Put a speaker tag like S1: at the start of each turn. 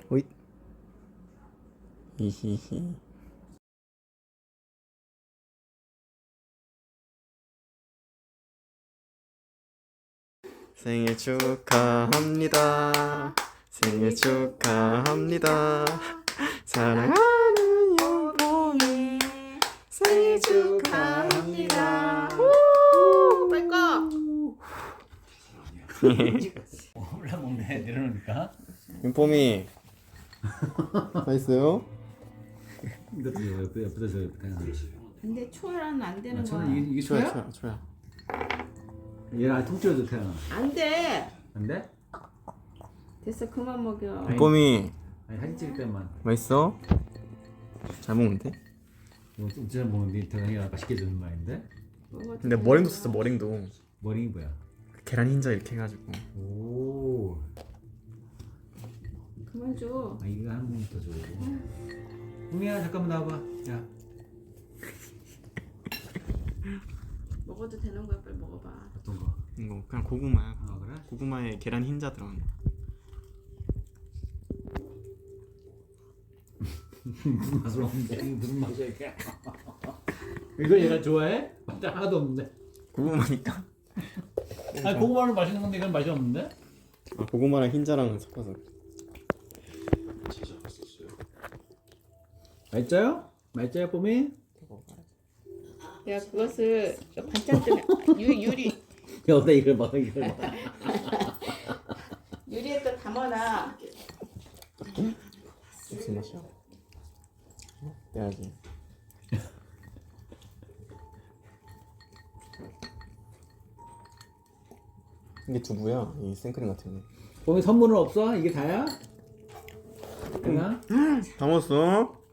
S1: 오잇. 히히히. 생일 축하합니다. 생일 축하합니다. 사랑하는 여보이 생일 축하합니다.
S2: 빨리 꺼.
S3: 몰라 먹네 내려놓으니까.
S1: 윤폼이 맛있어요?
S3: 이것도 옆에다 저
S2: 근데 초는 안 되는
S3: 저는
S2: 거야.
S3: 이게
S1: 초야
S3: 초야?
S1: 초야.
S3: 얘랑 통째로 태어나.
S2: 안 돼.
S3: 안 돼?
S2: 됐어 그만 먹여.
S1: 윤폼이
S3: 아니 사진 찍을 때만.
S1: 맛있어? 잘 먹는데?
S3: 뭐 진짜 먹는데 태어나기가 맛있게 주는 말인데.
S2: 먹어도
S1: 근데
S2: 되는
S1: 머랭도
S2: 거야.
S1: 썼어 머랭도.
S3: 머리 뭐야?
S1: 계란 흰자 이렇게 해가지고.
S3: 오.
S2: 그만 줘.
S3: 아 이거 한 번 더 줘. 홍이야 잠깐만 나와봐. 야.
S2: 먹어도 되는 거야. 빨리 먹어봐.
S3: 어떤 거?
S1: 이거 그냥 고구마야.
S3: 아 그래?
S1: 고구마에 계란 흰자 들어간 거.
S3: 무슨 맛으로 없는데? 무슨 맛이야 이게? 이걸 얘가 좋아해? 맛 하나도 없는데.
S1: 고구마니까.
S3: 아 고구마는 맛있는 건데 이건 맛이 없는데?
S1: 아, 고구마랑 흰자랑 섞어서.
S3: 맛있어요? 맛있어요 뽀미?
S2: 야 그것을 저 반찬 좀 유리
S3: 여기다 이걸 먹어 이걸 먹어.
S2: 유리에 또 담아놔.
S1: 무슨 맛이야? 떼야지. 이게 두부야. 이 생크림 같은 거.
S3: 뽀미 선물은 없어? 이게 다야? 그나?
S1: 다 먹었어?